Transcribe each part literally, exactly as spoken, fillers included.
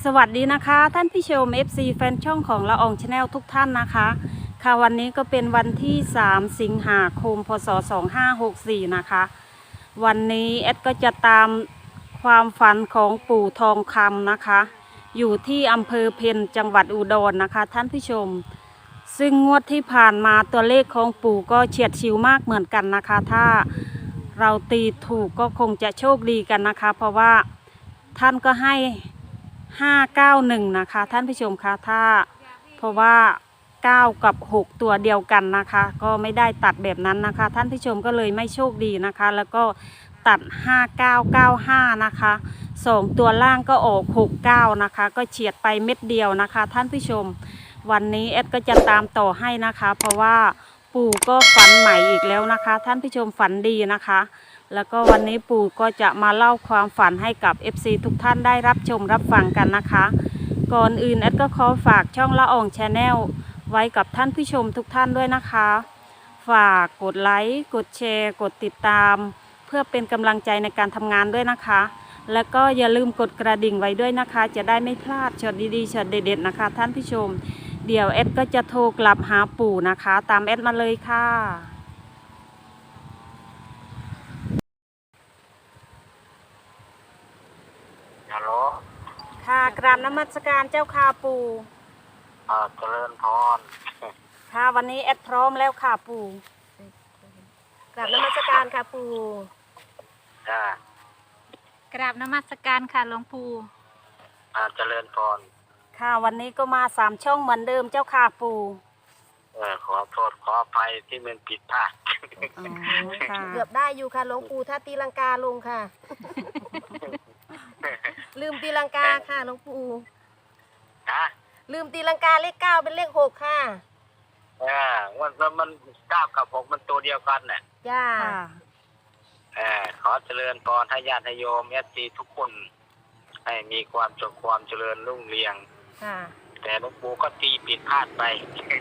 สวัสดีนะคะท่านผู้ชม เอฟ ซี แฟนช่องของละอองชาแนลทุกท่านนะคะค่ะวันนี้ก็เป็นวันที่สามสิงหาคมพศสองห้าหกสี่นะคะวันนี้แอดก็จะตามความฝันของปู่ทองคำนะคะอยู่ที่อำเภอเพ็ญจังหวัดอุดรนะคะท่านผู้ชมซึ่งงวดที่ผ่านมาตัวเลขของปู่ก็เฉียดฉิวมากเหมือนกันนะคะถ้าเราตีถูกก็คงจะโชคดีกันนะคะเพราะว่าท่านก็ให้ห้าเก้าหนึ่งนะคะท่านผู้ชมคะถ้าเพราะว่าเก้ากับหกตัวเดียวกันนะคะก็ไม่ได้ตัดแบบนั้นนะคะท่านผู้ชมก็เลยไม่โชคดีนะคะแล้วก็ตัดห้าเก้าเก้าห้านะคะสองตัวล่างก็ออกหกเก้านะคะก็เฉียดไปเม็ดเดียวนะคะท่านผู้ชมวันนี้แอดก็จะตามต่อให้นะคะเพราะว่าปู่ก็ฝันใหม่อีกแล้วนะคะท่านผู้ชมฝันดีนะคะแล้วก็วันนี้ปู่ก็จะมาเล่าความฝันให้กับ เอฟ ซี ทุกท่านได้รับชมรับฟังกันนะคะก่อนอื่นแอดก็ขอฝากช่องละอองชาแนลไว้กับท่านผู้ชมทุกท่านด้วยนะคะฝากกดไลค์กดแชร์กดติดตามเพื่อเป็นกำลังใจในการทำงานด้วยนะคะแล้วก็อย่าลืมกดกระดิ่งไว้ด้วยนะคะจะได้ไม่พลาดช็อตดีๆช็อตเด็ดๆนะคะท่านผู้ชมเดี๋ยวแอดก็จะโทรกลับหาปู่นะคะตามแอดมาเลยค่ะฮัลโหลค่ะกราบนมัสการเจ้าค่ะปู่อ่าเจริญพรค่ะวันนี้แอดพร้อมแล้วค่ะปู่กราบนมัสการค่ะปู่จ้ากราบนมัสการค่ะหลวงปู่อ่าเจริญพรค่ะวันนี้ก็มาสามช่องเหมือนเดิมเจ้าค่ะปู่เออขอโทษขออภัยที่มันผิดพลาดอ๋อค่ะเกือบได้อยู่ค่ะหลวงปู่ถ้าตีลังกาลงค่ะ ลืมตีลังกาค่ะหลวงปู่ฮะลืมตีลังกาเลขเก้าเป็นเลขหกค่ะเออมันมันเก้ากับหกมันตัวเดียวกันเนี่ยย่าเออขอเจริญพรให้ญาติโยมเอฟซีทุกคนให้มีความสุขความเจริญรุ่งเรืองค่ะแต่หลวงปู่ก็ตีผิดพลาดไป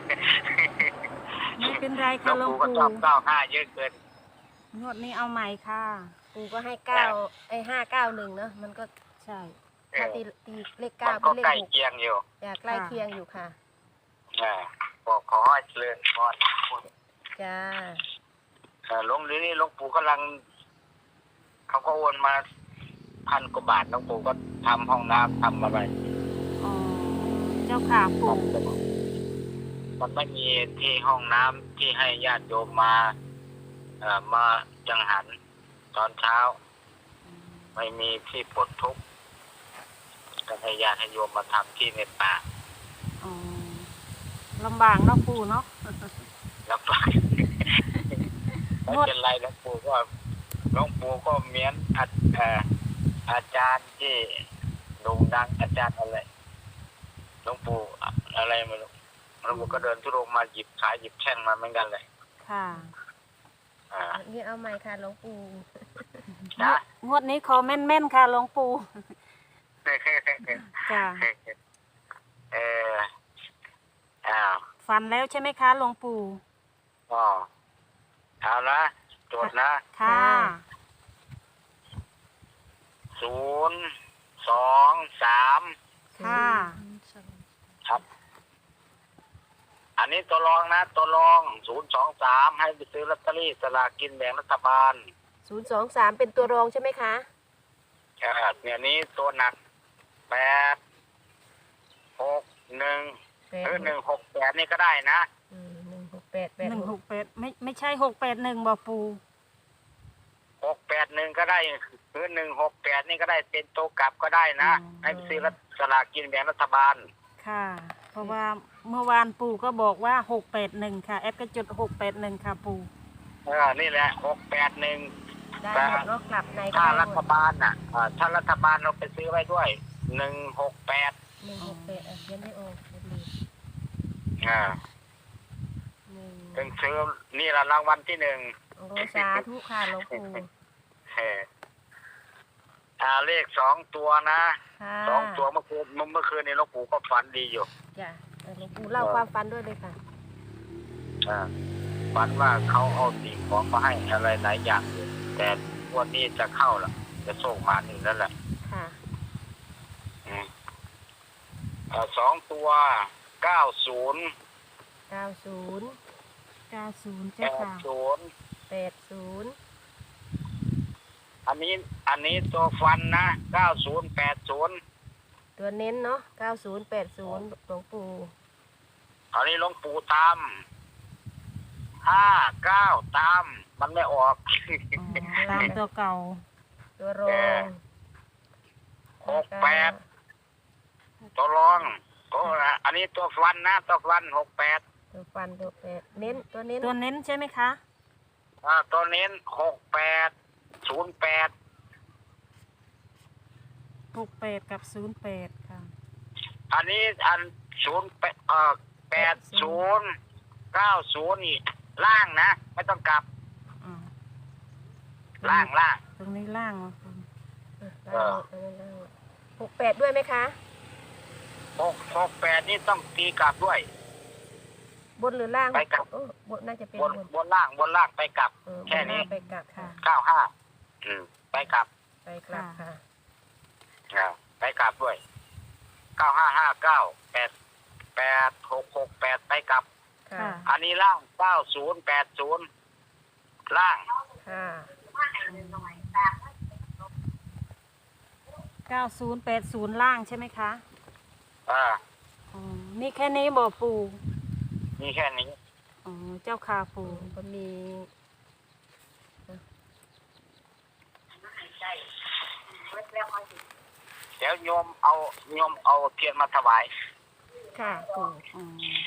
ไม่เป็นไรค่ะหลวงปู่ก็ปู่ชอบเก้าห้าเยอะเกินงวดนี้เอาใหม่ค่ะปู่ก็ให้เก้าไอ้ห้าเก้าหนึ่งเนาะมันก็ใช่ถ้าตีตีเลขมัเก้าน เป็ก็นเลขใกล้หกเคียงอยู่อยากใกล้เคียงอยู่ค่ะอ่าบอกขอให้เจริญพรจ้าหลวงหรือนี่หลวงปู่กำลังเขาก็โอนมาพันกว่าบาทหลวงปู่ก็ทำห้องน้ำทำอะไรอ๋อเจ้าค่ะปู่มันไม่มีที่ห้องน้ำที่ให้ญาติโยมมาเอ่อมาจังหันตอนเช้าไม่มีที่ปลดทุกข์ก็ให้ญาติให้โยมมาทำที่ในป่าอ๋อลำบากเนาะปู่เนาะลำบากไม่เป็นไรหลวงปู่ก็หลวงปู่ก็เหมือนอาเอ่ออาจารย์ที่โด่งดังอาจารย์อะไรหลวงปู่อะไรไม่รู้หลวงปู่ก็เดินทุรงมาหยิบขายหยิบแช่งมาเหมือนกันเลยค่ะอ่านี่เอาใหม่ค่ะหลวงปู่นะงวดนี้ขอแม่นๆค่ะหลวงปู่จ้าเอออ้าวฝันแล้วใช่ไหมคะหลวงปู่อ๋อเอาละโจทย์นะค่ะศูนย์สองสามค่ะครับอันนี้ตัวรองนะตัวรองศูนย์สองสามให้ไปซื้อลอตเตอรี่สลากกินแบ่งรัฐบาลศูนย์สองสามเป็นตัวรองใช่ไหมคะครับเนี่ยนี้ตัวหนักแปดหกหนึ่งหรือหนึ่งหกแปดนี่ก็ได้นะหนึ่งหกแปดหนึ่งหกแปดไม่ไม่ใช่หกแปดหนึ่งบ่ปู่หกแปดหนึ่งก็ได้หรือหนึ่งหกแปดนี่ก็ได้เป็นตัวกลับก็ได้นะให้ไปซื้อสลากกินแบ่งรัฐบาลค่ะเพราะว่าเมื่อวานปู่ก็บอกว่าหกแปดหนึ่งค่ะแอปก็จุดหกแปดหนึ่งค่ะปู่เออนี่แหละหกแปดหนึ่งได้หมดรถกลับในถ้ารัฐบาลน่ะถ้ารัฐบาลเราไปซื้อไว้ด้วยหนึ่งหกแปดหนึ่งหกแปดอ่ะยังไม่ออกอ่าเป็นซื้อนี่ละรางวัลที่หนึ่งโอ้สาธุค่ะหลวงปู่อ่าเลขสองตัวนะสองตัวเมื่อคืนเมื่อคืนนี้หลวงปู่ก็ฝันดีอยู่จ้ะหลวงปู่เล่าความฝันด้วยเลยค่ะอ่าฝันว่าเขาเอาสิ่งของมาให้อะไรหลายอย่างอยู่แต่วันนี้จะเข้าละจะส่งมาหนึ่งนั่นแหละค่ะอสองตัวเก้าศูนย์เก้าศูนย์เก้าศูนย์แปเจ้าดค่ะศูนย์แปดศูนย์อันนี้อันนี้ตัวฟันนะเก้าศูนย์แปดศูนย์ตัวเน้นเนาะเก้าศูนย์แปดศูนย์หลวงปู่อันนี้หลวงปู่ตามห้าเก้าตามมันไม่ออกอ๋อตามตัวเก่าตัวรแกองหกแปดตัวรองตัวอันนี้ตัวฟันนะตัวฟันหกแปดตัวฟันตัวแปดเน้นตัวเน้นตัวเน้นใช่ไหมคะอ่าตัวเน้นหกแปดศูนย์แปดหกแปดกับศูนย์แปดค่ะอันนี้อันศูนย์แปดเอ่อแปดศูนย์เก้าศูนย์นี่ล่างนะไม่ต้องกลับอ่าล่างล่างตรงนี้ล่างเหรอคุณเออเออเออหกแปดด้วยไหมคะหกหกแปดนี่ต้องตีกลับด้วยบนหรือล่างไปกลับโอ้บนน่าจะเป็นบบ นนบนล่างบนล่างไปกลับเออบแค่นี้ล่างไปกลับค่ะเก้าห้าอืมไปกลับไปกลับค่ะอ่าไปกลับด้วยเก้าห้าห้าเก้าแปดแปดหกหกแปดไปกลับค่ะค่ะอันนี้ล่างเก้าศูนย์แปดศูนย์ล่างค่ะเก้าศูนย์แปดศูนย์ล่างใช่ไหมคะอ่าอ๋อมีแค่นี้บ่ปู่มีแค่นี้อ๋อเจ้าค่ะปู่ก็มีเดี๋ยวโยมเอาโยมเอาเทียนมาถวายค่ะปู่อ๋อ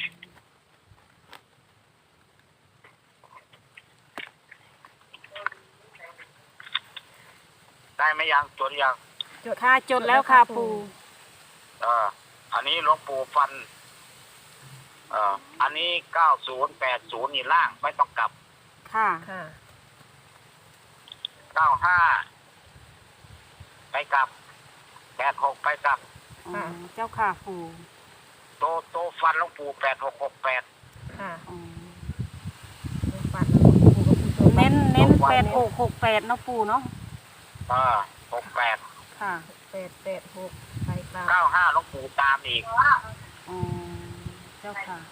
ได้ไหมยังจดยังค่ะจดแล้วค่ะปู่เอออันนี้หลวงปู่ฟันเอ่ออันนี้เก้าศูนย์แปดศูนย์นี่ล่างไม่ต้องกลับค่ะค่ะเก้าห้าไปกลับแปดหกไปกลับอ๋อเจ้าค่ะปู่โตโตฟันหลวงปู่แปดหกหกแปดค่ะอ๋อตัวฟันปู่กับปู่ตัวเน้นเน้นแปดหกหกแปดเนาะปู่เนาะเออหกแปดค่ะแปดแปดหกไปกลับเก้าห้าหลวงปู่ตามอีกอ๋อเจ้าค่ะ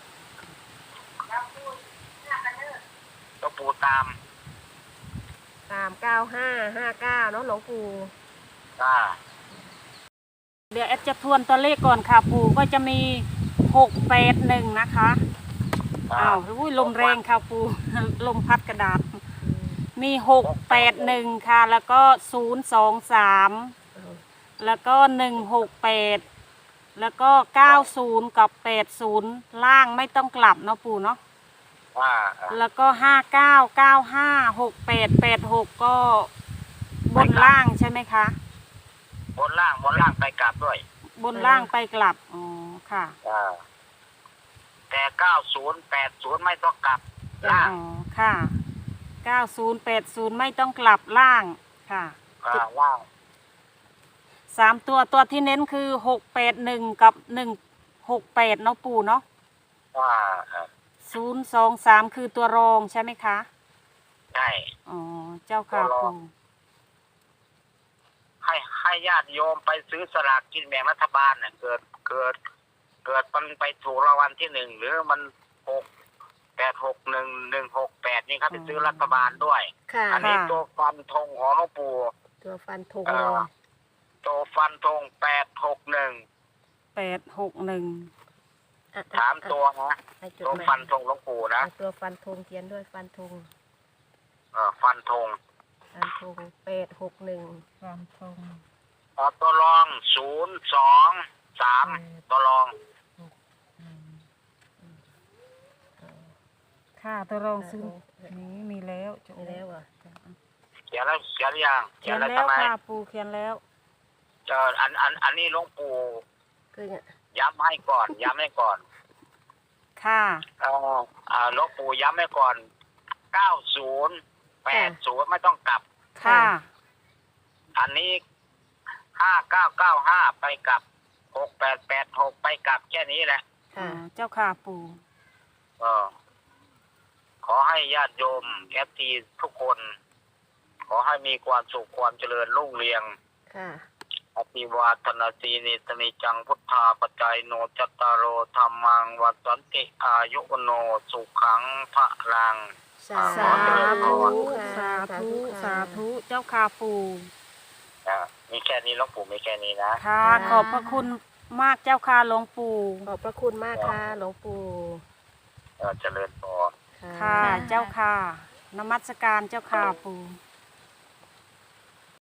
หลวงปู่ตามตามเก้าห้าห้าเก้าเนาะหลวงปู่อ่าเดี๋ยวแอดจะทวนตัวเลขก่อนค่ะปู่ก็จะมีหกแปดหนึ่งนะคะอ่าอ้าวอุ้ยลมแรงค่ะปู่ ลมพัดกระดาษ มีหกแปดหนึ่งค่ะ แล้วก็ศูนย์สองสามแล้วก็หนึ่งหกแปดแล้วก็เก้าศูนย์กับแปดศูนย์ล่างไม่ต้องกลับเนาะปู่เนาะอ่าอ่าแล้วก็ห้าเก้าเก้าห้าหกแปดแปดหกก็บนล่างใช่ไหมคะบนล่างบนล่างไปกลับด้วยบนล่างไปกลับอ๋อค่ะอ่าแต่เก้าศูนย์แปดศูนย์ไม่ต้องกลับอ๋ล่างอค่ะเก้าศูนย์แปดศูนย์ไม่ต้องกลับล่างค่ะอ่าล่างสามตัวตัวที่เน้นคือหกแปดหนึ่งกับหนึ่งหกแปดเนาะปู่เนาะอ่าอ่าศูนย์สองสามคือตัวรองใช่ไหมคะใช่อ๋อเจ้าค่ะตัวรองปู่ให้ให้ญาติโยมไปซื้อสลากกินแบ่งรัฐบาลเนี่ยเกิดเกิด เกิดมันไปถูกรางวัลที่หนึ่งหรือมันหกแปดหกหนึ่งหนึ่งหกแปดนี่ครับไปซื้อรัฐบาลด้วยค่ะอันนี้ตัวฟันธงของหลวงปู่ตัวฟันธงเอ่เลอย ตัวฟันธงแปดหกหนึ่งแปดหกหนึ่งอ่ะสามตัวนะให้จดตัวมาฟันธงหลวงปู่นะเอาตัวฟันธงเขียนด้วยฟันธงเอ่อฟันธงฟันธงแปดหกหนึ่งความตรงเอ่อตัวรองศูนย์สองสามตัวรองค่ะตัวรองซื้อนี้มีแล้วจบมีแล้วเหรอเขียนแล้วเขียนหรือยังเขียนแล้วแล้วทำไมค่ะปู่เขียนแล้วเจออันอันอันนี้หลวงปู่คือเนี่ยย้ำให้ก่อน ย้ำให้ก่อนค่ะเอ่ออ่าหลวงปู่ย้ำให้ก่อนเก้าศูนย์แปดศูนย์ไม่ต้องกลับค่ะอันนี้ห้าเก้าเก้าห้าไปกลับหกแปดแปดหกไปกลับแค่นี้แหละอ๋อค่ะเจ้าค่ะปู่เออขอให้ญาติโยมแอฟทีทุกคน ขอให้มีความสุขความเจริญรุ่งเรืองค่ะอภิวาทนาสีนิสนิจังพุทธาปัจจัยโนจัตตารโอธรรมังวัฏันติอายุวโนสุขังพระลังสาสาธุค่ะสาธุค่ะสาธุเจ้าค่ะปู่อ่ามีแค่นี้หลวงปู่มีแค่นี้นะค่ะ ขอบพระคุณมากเจ้าค่ะหลวงปู่ขอบพระคุณมากค่ะหลวงปู่เออเจริญพรค่ะ เจ้าค่ะนมัสการเจ้าค่ะปู่